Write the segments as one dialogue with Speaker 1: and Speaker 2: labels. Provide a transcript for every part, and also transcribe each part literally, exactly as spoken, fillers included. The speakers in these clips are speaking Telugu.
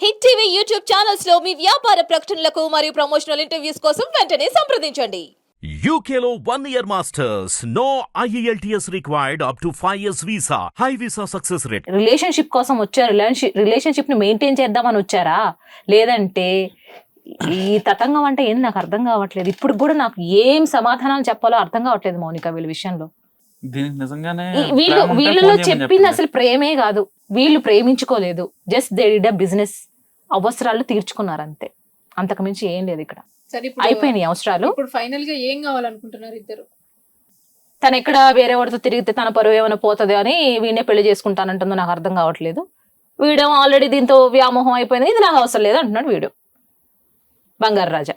Speaker 1: హిట్ టీవీ యూట్యూబ్ ఛానల్స్ లో మీ వ్యాపార ప్రకటనలకు మరియు ప్రమోషనల్ ఇంటర్వ్యూస్ కోసం వెంటనే సంప్రదించండి.
Speaker 2: U K లో one year masters. No I E L T S required up to five years visa. High visa success rate.
Speaker 3: Relationship కోసం వచ్చారు, రిలేషన్షిప్ ని మెయింటైన్ చేద్దామని వచ్చారా, లేదంటే ఈ తతంగం అంటే ఏంది నాకు అర్థం కావట్లేదు. ఇప్పుడు కూడా నాకు ఏం సమాధానాలు చెప్పాలో అర్థం కావట్లేదు మౌనిక వీళ్ళ విషయంలో.
Speaker 4: దీనికి నిజంగానే
Speaker 3: వీళ్ళు వీళ్ళలో చెప్పింది అసలు ప్రేమే కాదు, వీళ్ళు ప్రేమించుకోలేదు, just they did a business, అవసరాలు తీర్చుకున్నారు అంతే, అంతకు మించి ఏం లేదు ఇక్కడ. అయిపోయినాయి అవసరాలు.
Speaker 5: ఇప్పుడు ఫైనల్ గా ఏం కావాలనుకుంటున్నారు ఇద్దరు?
Speaker 3: తను ఎక్కడ వేరే వాడితో తిరిగితే తన పరువు ఏమైనా పోతుంది అని వీడినే పెళ్లి చేసుకుంటానంటుందో నాకు అర్థం కావట్లేదు. వీడేమో ఆల్రెడీ దీంతో వ్యామోహం అయిపోయింది, ఇది నాకు అవసరం లేదు అంటున్నాడు వీడు. బంగారు రాజా,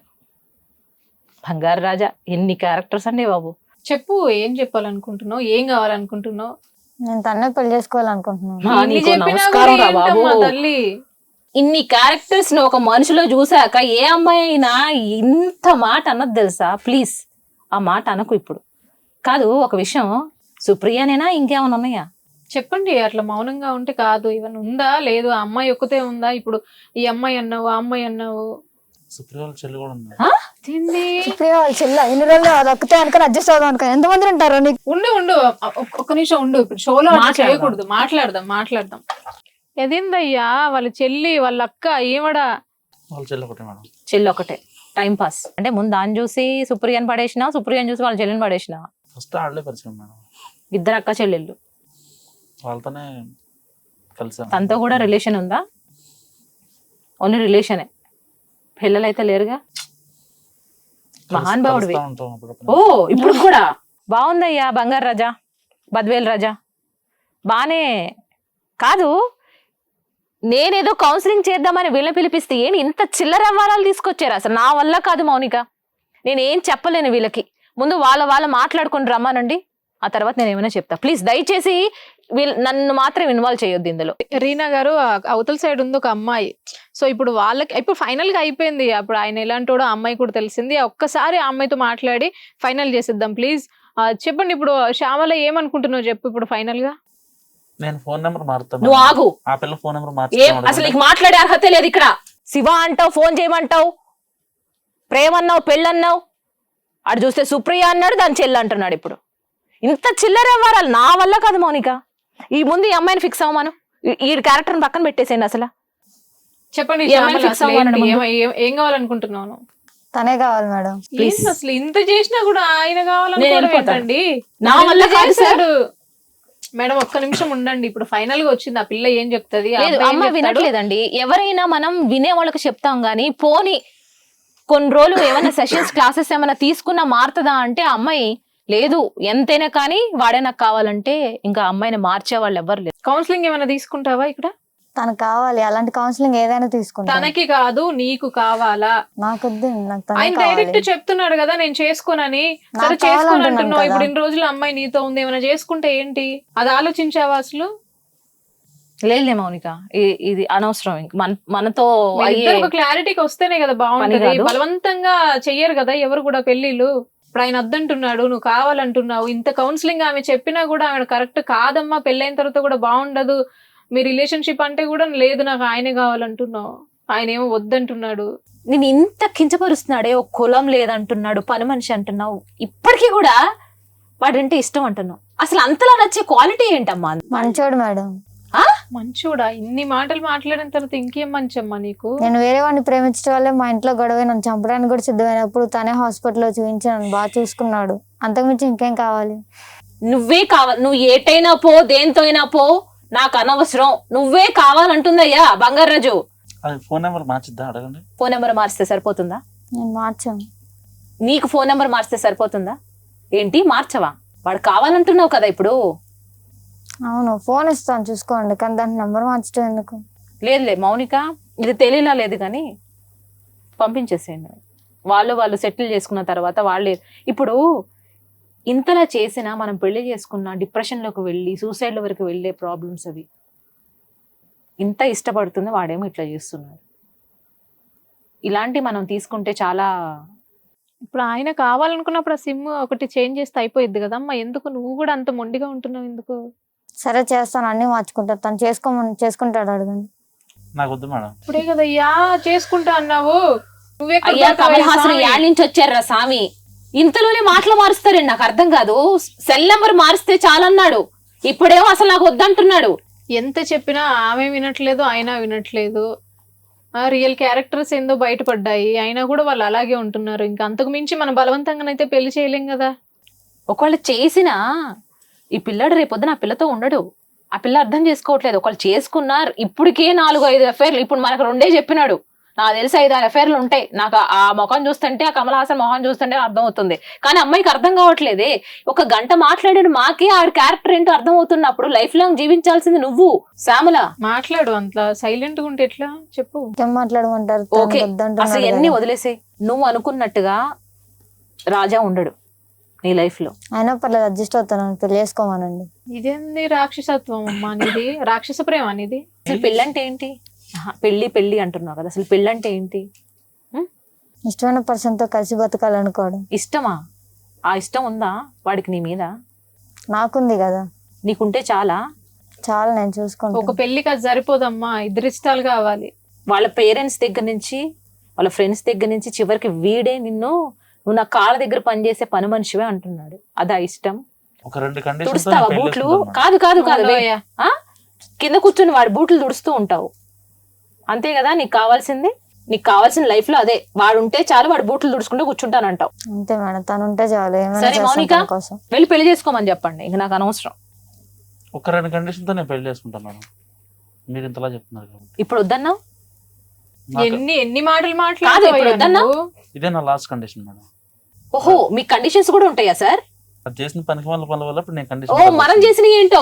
Speaker 3: బంగారు రాజా ఎన్ని క్యారెక్టర్స్ అండి బాబు.
Speaker 5: చెప్పు, ఏం చెప్పాలనుకుంటున్నావు, ఏం కావాలనుకుంటున్నావు?
Speaker 6: నేను తన్నే పెళ్లి చేసుకోవాలనుకుంటున్నాను.
Speaker 3: మా నీకు నమస్కారం రా బాబు.
Speaker 5: తల్లి
Speaker 3: ఇన్ని క్యారెక్టర్స్ ని ఒక మనిషిలో చూసాక ఏ అమ్మాయి అయినా ఇంత మాట అన్నది తెలుసా? ప్లీజ్ ఆ మాట అనకు ఇప్పుడు. కాదు, ఒక విషయం, సుప్రియనేనా ఇంకేమైనా ఉన్నాయా
Speaker 5: చెప్పండి. అట్లా మౌనంగా ఉంటే కాదు. ఇవన్నీ ఉందా లేదు, ఆ అమ్మాయి ఒక్కతే ఉందా? ఇప్పుడు ఈ అమ్మాయి అన్నావు, ఆ అమ్మాయి అన్నావు,
Speaker 4: సుప్రియ వాళ్ళ చెల్లి కూడా ఉంది.
Speaker 6: సుప్రియ వాళ్ళ చెల్ల ఎన్ని రోజులు అది ఒక్కతే అనుకుని అడ్జస్ట్ అవుదాం అనుకో. ఎంతమంది ఉంటారు నీకు?
Speaker 5: ఉండు ఉండు ఒక్క నిమిషం ఉండు. ఇప్పుడు షోలో చేయకూడదు, మాట్లాడదాం మాట్లాడదాం. ఎదిందయ్యా వాళ్ళ చెల్లి వాళ్ళ అక్క ఏమడా?
Speaker 4: వాళ్ళ చెల్లి ఒకటే మేడం.
Speaker 3: చెల్లి ఒకటే టైం పాస్ అంటే ముందు దాన్ని చూసి సుప్రియని పడేసినా, సుప్రియని చూసి వాళ్ళ చెల్లిని పడేసినా.
Speaker 4: ఫస్ట్ ఆడలే పరిచయం మేడం.
Speaker 3: ఇద్దరు అక్క చెల్లెళ్ళు,
Speaker 4: వాళ్ళతోనే కలిసాం.
Speaker 3: తనతో కూడా రిలేషన్ ఉందా? ఓన్లీ రిలేషనే, పిల్లలు అయితే లేరుగా. మహానుభావుడివి. ఓ ఇప్పుడు కూడా బాగుందయ్యా బంగారు రాజా, బద్వేల్ రాజా, బానే. కాదు, నేనేదో కౌన్సిలింగ్ చేద్దామని వీళ్ళ పిలిపిస్తే ఏంటి ఇంత చిల్లర వ్యవహారాలు తీసుకొచ్చారు? అసలు నా వల్ల కాదు మౌనిక, నేనేం చెప్పలేను వీళ్ళకి. ముందు వాళ్ళ వాళ్ళ మాట్లాడుకుని రమ్మానండి, ఆ తర్వాత నేను ఏమైనా చెప్తా. ప్లీజ్ దయచేసి వీళ్ళు నన్ను మాత్రం ఇన్వాల్వ్ చేయొద్దు ఇందులో.
Speaker 5: రీనా గారు, అవతల సైడ్ ఉంది ఒక అమ్మాయి. సో ఇప్పుడు వాళ్ళకి ఇప్పుడు ఫైనల్ గా అయిపోయింది. అప్పుడు ఆయన ఎలాంటోడో ఆ అమ్మాయి కూడా తెలిసింది. ఒక్కసారి ఆ అమ్మాయితో మాట్లాడి ఫైనల్ చేసేద్దాం ప్లీజ్. చెప్పండి, ఇప్పుడు శ్యామల ఏమనుకుంటున్నావు చెప్పు ఇప్పుడు ఫైనల్ గా.
Speaker 4: నేను ఫోన్ నెంబర్ మారుతాను.
Speaker 3: నువ్వు ఆగు.
Speaker 4: ఆ పిల్ల ఫోన్ నెంబర్
Speaker 3: ఏం అసలు నీకు మాట్లాడే అర్హత లేదు ఇక్కడ. శివ అంటావు, ఫోన్ చేయమంటావు, ప్రేమ అన్నావు, పెళ్ళన్నావు, అటు చూస్తే సుప్రియ అన్నాడు, దాని చెల్లి అంటున్నాడు. ఇప్పుడు ఇంత చిల్లర వ్యవహారాలు నా వల్ల కాదు మౌనిక. ఈ ముందు ఈ అమ్మాయిని ఫిక్స్ అవ్వమాను, ఈ క్యారెక్టర్ పక్కన పెట్టేసేయండి. అసలు
Speaker 5: చెప్పండి, ఏం కావాలనుకుంటున్నాను?
Speaker 6: తనే కావాలి మేడం.
Speaker 5: ప్లీజ్. అసలు ఇంత చేసినా కూడా ఆయన కావాలనుకోండి.
Speaker 3: నా వల్ల కాదు
Speaker 5: మేడం ఒక్క నిమిషం ఉండండి. ఇప్పుడు ఫైనల్ గా వచ్చింది, ఆ పిల్ల ఏం చెప్తుంది?
Speaker 3: అమ్మ వినట్లేదండి. ఎవరైనా మనం వినే వాళ్ళకి చెప్తాం గానీ, పోని కొన్ని రోజులు ఏమైనా సెషన్స్ క్లాసెస్ ఏమైనా తీసుకున్నా మారుతుందా అంటే అమ్మాయి లేదు, ఎంతైనా కానీ వాడే నాకు కావాలంటే ఇంకా అమ్మాయిని మార్చే వాళ్ళు ఎవరు లేరు.
Speaker 5: కౌన్సిలింగ్ ఏమైనా తీసుకుంటావా ఇక్కడ?
Speaker 6: తనకు కావాలి, అలాంటి కౌన్సిలింగ్ ఏదైనా తీసుకుంటా.
Speaker 5: తనకి కాదు, నీకు కావాలా?
Speaker 6: నాకు
Speaker 5: ఆయన డైరెక్ట్ చెప్తున్నాడు కదా నేను చేసుకోనని. సరే చేసుకోను అంటున్నావు. ఇప్పుడు ఇన్ని రోజులు అమ్మాయి నీతో ఉంది, ఏమైనా చేసుకుంటే ఏంటి? అది ఆలోచించావా అసలు?
Speaker 3: లేదు మౌనిక, ఇది అనవసరం. మన మనతో
Speaker 5: క్లారిటీకి వస్తేనే కదా బాగుంటుంది. బలవంతంగా చెయ్యరు కదా ఎవరు కూడా పెళ్లిళ్ళు. ఇప్పుడు ఆయన వద్దంటున్నాడు, నువ్వు కావాలంటున్నావు. ఇంత కౌన్సిలింగ్ ఆమె చెప్పినా కూడా ఆమె కరెక్ట్ కాదమ్మా, పెళ్ళైన తర్వాత కూడా బాగుండదు, మీ రిలేషన్షిప్ అంటే కూడా లేదు, నాకు ఆయనే కావాలంటున్నావు, ఆయన ఏమో వద్దంటున్నాడు.
Speaker 3: నేను ఇంత కించపరుస్తున్నాడే, ఒక కులం లేదంటున్నాడు, పని మనిషి అంటున్నావు, ఇప్పటికీ కూడా వాడంటే ఇష్టం అంటున్నావు. అసలు అంతలా నచ్చే క్వాలిటీ ఏంటమ్మా?
Speaker 6: మంచోడు మేడం.
Speaker 5: మంచోడా? ఇన్ని మాటలు మాట్లాడిన తర్వాత ఇంకేం మంచమ్మా నీకు?
Speaker 6: నేను వేరే వాడిని ప్రేమించడం వల్లే మా ఇంట్లో గొడవ, నన్ను చంపడానికి కూడా సిద్ధమైనప్పుడు తనే హాస్పిటల్లో చూపించి నన్ను బాగా చూసుకున్నాడు. అంతకుమించి ఇంకేం కావాలి?
Speaker 3: నువ్వే కావాలి, నువ్వు ఏటైనా పో, దేంతో అయినా పో, నాకు అనవసరం, నువ్వే కావాలంటుందయ్యా బంగారు రాజు.
Speaker 4: ఫోన్ నెంబర్ మార్చిద్దా అడగండి.
Speaker 3: ఫోన్ నెంబర్ మార్చితే సరిపోతుందా?
Speaker 6: నేను మార్చాను.
Speaker 3: నీకు ఫోన్ నెంబర్ మార్చితే సరిపోతుందా ఏంటి? మార్చవా? వాడు కావాలంటున్నావు కదా ఇప్పుడు.
Speaker 6: అవును, ఫోన్ ఇస్తాను చూసుకోండి, కానీ దాని నెంబర్ మార్చడం ఎందుకు?
Speaker 3: లేదులే మౌనిక, ఇది తెలియలా లేదు కానీ పంపించేసేయండి. వాళ్ళు వాళ్ళు సెటిల్ చేసుకున్న తర్వాత వాళ్ళే. ఇప్పుడు ఇంతలా చేసినా మనం పెళ్లి చేసుకున్న డిప్రెషన్లోకి వెళ్ళి సూసైడ్ల వరకు వెళ్ళే ప్రాబ్లమ్స్ అవి. ఇంత ఇష్టపడుతుంది, వాడేమో ఇట్లా చేస్తున్నాడు. ఇలాంటి మనం తీసుకుంటే చాలా.
Speaker 5: ఇప్పుడు ఆయన కావాలనుకున్నప్పుడు ఆ సిమ్ ఒకటి చేంజ్ చేస్తే అయిపోయింది కదమ్మా. ఎందుకు నువ్వు కూడా అంత మొండిగా ఉంటున్నావు ఎందుకు?
Speaker 6: సరే చేస్తాను, అన్ని మార్చుకుంటాను. తను చేసుకోమని చేసుకుంటాడు, అడగండి.
Speaker 4: నాకు వద్దు మేడం.
Speaker 5: ఇప్పుడే కదయ్యా చేసుకుంటా అన్నావు. నువ్వే
Speaker 3: అయ్యా కమల్ హాసన్ యాడ్ నుంచి వచ్చారా స్వామి, ఇంతలోనే మాటలు మారుస్తారండి. నాకు అర్థం కాదు. సెల్ నెంబర్ మారిస్తే చాలన్నాడు, ఇప్పుడేమో అసలు నాకు వద్దంటున్నాడు.
Speaker 5: ఎంత చెప్పినా ఆమె వినట్లేదు, ఆయన వినట్లేదు. రియల్ క్యారెక్టర్స్ ఏందో బయటపడ్డాయి, అయినా కూడా వాళ్ళు అలాగే ఉంటున్నారు. ఇంకా అంతకు మించి మనం బలవంతంగానైతే పెళ్లి చేయలేం కదా.
Speaker 3: ఒకళ్ళు చేసినా ఈ పిల్లడు రేపొద్దున ఆ పిల్లతో ఉండడు. ఆ పిల్ల అర్థం చేసుకోవట్లేదు. ఒకళ్ళు చేసుకున్నారు, ఇప్పటికే నాలుగు ఐదు అఫైర్లు. ఇప్పుడు మనకు రెండే చెప్పినాడు, నాకు తెలిసి ఐదు ఆరు అఫైర్లు ఉంటాయి. నాకు ఆ ముఖం చూస్తుంటే, ఆ కమల్ హాసన్ మొహం చూస్తుంటే అర్థం అవుతుంది. కానీ అమ్మాయికి అర్థం కావట్లేదే. ఒక గంట మాట్లాడాడు, మాకే ఆవిడ క్యారెక్టర్ ఏంటో అర్థం అవుతున్నప్పుడు లైఫ్ లాంగ్ జీవించాల్సింది నువ్వు శ్యామల.
Speaker 5: మాట్లాడు, అంత సైలెంట్ గా ఉంటే ఎట్లా చెప్పు.
Speaker 6: ఏం మాట్లాడమంటారు? తను
Speaker 3: ఓకే
Speaker 6: వద్దంటున్నాడు
Speaker 3: అసలు
Speaker 6: కదా.
Speaker 3: ఎన్ని వదిలేసే. నువ్వు అనుకున్నట్టుగా రాజా ఉండడు నీ లైఫ్ లో.
Speaker 6: అయినా పర్లేదు, అడ్జస్ట్ అవుతాను, పెళ్లి చేసుకోమానండి.
Speaker 5: ఇదేంది రాక్షసత్వం అమ్మా నీది, రాక్షస ప్రేమ అనేది.
Speaker 3: అసలు పెళ్ళంటే ఏంటి? ఆహా, పెళ్లి పెళ్లి అంటున్నావు కదా, అసలు పెళ్ళంటే ఏంటి?
Speaker 6: ఇష్టమైన పర్సన్ తో కలిసి బతకాలనుకోవడం.
Speaker 3: ఇష్టమా? ఆ ఇష్టం ఉందా వాడికి నీ మీద?
Speaker 6: నాకుంది కదా,
Speaker 3: నీకుంటే చాలా.
Speaker 6: చాలా నేను
Speaker 5: ఒక
Speaker 6: చూసుకుంటాను.
Speaker 5: పెళ్లికి అది సరిపోదమ్మా, ఇద్దరు ఇష్టాలు కావాలి.
Speaker 3: వాళ్ళ పేరెంట్స్ దగ్గర నుంచి, వాళ్ళ ఫ్రెండ్స్ దగ్గర నుంచి, చివరికి వీడే నిన్ను నువ్వు నా కాళ్ళ దగ్గర పనిచేసే పని మనిషివే అంటున్నాడు. అదా ఇష్టం?
Speaker 4: ఒక రెండు కండిషన్స్
Speaker 3: తుడుస్తావా బూట్లు? కాదు కాదు కాదు వే.
Speaker 5: అయ్యా.
Speaker 3: ఆ? కింద కూర్చొని వాడి బూట్లు తుడుస్తూ ఉంటావు, అంతే కదా నీకు కావాల్సింది? నీకు కావాల్సిన లైఫ్ లో అదే. వాడు ఉంటే చాలు, వాడు బూట్లు తుడుచుకుంటూ కూర్చుంటానంటావు.
Speaker 6: అంతే మేడం, తను ఉంటే చాలు, ఏమైనా
Speaker 3: సరే
Speaker 6: చేస్తాను
Speaker 3: మౌనిక,
Speaker 6: తన కోసం.
Speaker 3: వెళ్ళి పెళ్లి చేసుకోమని చెప్పండి, ఇంక నాకు అనవసరం.
Speaker 4: ఒక రెండు కండిషన్ తో నేను పెళ్లి చేసుకుంటాను మేడం, మీరు ఇంతలా చెప్తున్నారు కాబట్టి.
Speaker 3: ఇప్పుడు వద్దన్నావు,
Speaker 4: నాకు
Speaker 5: ఎన్ని ఎన్ని మాటలు
Speaker 3: కాదు, ఇప్పుడు
Speaker 5: మాట్లాడుతావు
Speaker 3: వద్దన్నా?
Speaker 4: ఇదే నా లాస్ట్ కండిషన్ మేడం.
Speaker 3: ఓహో మీ కండిషన్స్ కూడా ఉంటాయా సార్?
Speaker 4: అది చేసిన పనికి వాళ్ళ పనుల వల్ల ఇప్పుడు నేను
Speaker 3: ఓ
Speaker 4: కండిషన్
Speaker 3: మనం చేసిన ఏంటో,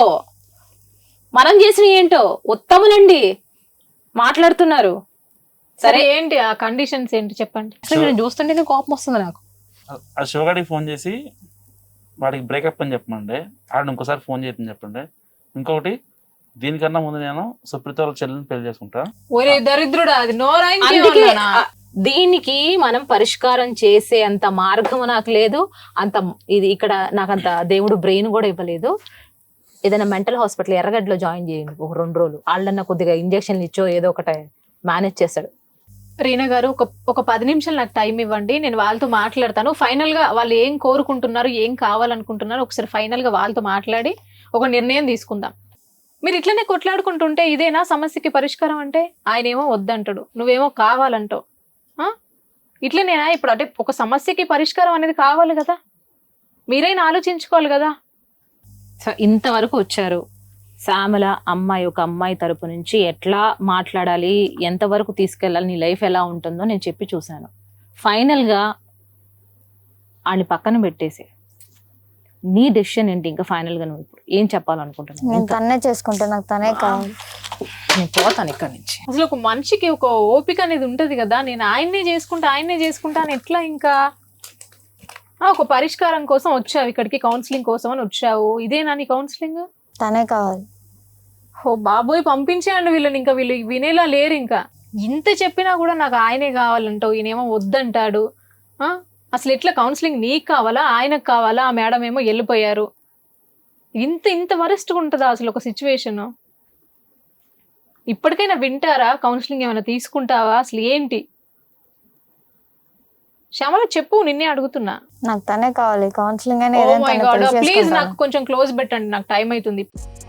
Speaker 3: మనం చేసిన ఏంటో ఉత్తములండి మాట్లాడుతున్నారు.
Speaker 5: సరే ఏంటి ఆ కండిషన్స్ ఏంటి చెప్పండి.
Speaker 3: అసలు నేను చూస్తుంటేనే కోపం వస్తుంది నాకు.
Speaker 4: ఆ శివగాడికి ఫోన్ చేసి వాడికి బ్రేకప్ అని చెప్పమండి, ఆడ ఇంకోసారి ఫోన్ చేయని చెప్పండి. ఇంకొకటి, దీనికన్నా ముందు నేను సుప్రీత వాళ్ళ చెల్లెని పెళ్లి చేసుకుంటా.
Speaker 5: ఒరే దరిద్రుడా, అది నోరా
Speaker 3: అందుకే
Speaker 5: ఇంకేమన్నానా?
Speaker 3: ఆ, దీనికి మనం పరిష్కారం చేసే అంత మార్గం నాకు లేదు. అంత ఇది ఇక్కడ నాకు అంత దేవుడు బ్రెయిన్ కూడా ఇవ్వలేదు. ఏదైనా మెంటల్ హాస్పిటల్ ఎర్రగడ్డలో జాయిన్ చేయండి ఒక రెండు రోజులు. వాళ్ళన్నా కొద్దిగా ఇంజక్షన్లు ఇచ్చో ఏదో ఒకటి మేనేజ్ చేస్తాడు.
Speaker 5: రీనా గారు, ఒక ఒక పది నిమిషాలు నాకు టైం ఇవ్వండి, నేను వాళ్ళతో మాట్లాడతాను. ఫైనల్ గా వాళ్ళు ఏం కోరుకుంటున్నారు, ఏం కావాలనుకుంటున్నారు, ఒకసారి ఫైనల్ గా వాళ్ళతో మాట్లాడి ఒక నిర్ణయం తీసుకుందాం. మీరు ఇట్లనే కొట్లాడుకుంటుంటే ఇదేనా సమస్యకి పరిష్కారం? అంటే ఆయన ఏమో వద్దంటాడు, నువ్వేమో కావాలంటావు. ఆ? ఇట్లనేనా ఇప్పుడు? అంటే ఒక సమస్యకి పరిష్కారం అనేది కావాలి కదా, మీరైనా ఆలోచించుకోవాలి కదా.
Speaker 3: సో ఇంతవరకు వచ్చారు. శ్యామల అమ్మాయి ఒక అమ్మాయి తరపు నుంచి ఎట్లా మాట్లాడాలి, ఎంతవరకు తీసుకెళ్ళాలి, నీ లైఫ్ ఎలా ఉంటుందో నేను చెప్పి చూశాను. ఫైనల్గా ఆయన పక్కన పెట్టేసి నీ డెసిషన్ ఏంటి? ఇంకా ఫైనల్గా నువ్వు ఇప్పుడు ఏం చెప్పాలనుకుంటున్నావు?
Speaker 6: నేను తన్నే చేసుకుంటా, నాకు తనే కావాలి.
Speaker 3: నేను పోతాను ఇక్కడి నుంచి.
Speaker 5: అసలు ఒక మనిషికి ఒక ఓపిక అనేది ఉంటది కదా. నేను ఆయన్నే చేసుకుంటా ఆయన్నే చేసుకుంటా అని ఎట్లా? ఇంకా ఆ, ఒక పరిష్కారం కోసం వచ్చావు ఇక్కడికి, కౌన్సిలింగ్ కోసం అని వచ్చావు. ఇదేనా నీ కౌన్సిలింగ్?
Speaker 6: తనే కావాలి.
Speaker 5: ఓ బాబోయ్, పంపించేయండి వీళ్ళని, ఇంకా వీళ్ళు వినేలా లేరు. ఇంకా ఇంత చెప్పినా కూడా నాకు ఆయనే కావాలంటావు, ఈయనేమో వద్దంటాడు. ఆ, అసలు ఎట్లా కౌన్సిలింగ్? నీకు కావాలా ఆయనకు కావాలా? ఆ మేడం ఏమో వెళ్ళిపోయారు. ఇంత ఇంత వరస్ట్గా ఉంటుందా అసలు ఒక సిచ్యువేషన్? ఇప్పటికైనా వింటారా? కౌన్సిలింగ్ ఏమైనా తీసుకుంటావా? అసలు ఏంటి శ్యామల చెప్పు, నిన్నే అడుగుతున్నా.
Speaker 6: నాకు తనే కావాలి, కౌన్సిలింగ్ అయినా
Speaker 5: ఓ
Speaker 6: ఏదైనా
Speaker 5: మై
Speaker 6: తనే
Speaker 5: గాడ్,
Speaker 6: పెళ్లి
Speaker 5: ప్లీజ్
Speaker 6: చేసుకుంటాను.
Speaker 5: నాకు కొంచెం క్లోజ్ పెట్టండి, నాకు టైం అవుతుంది.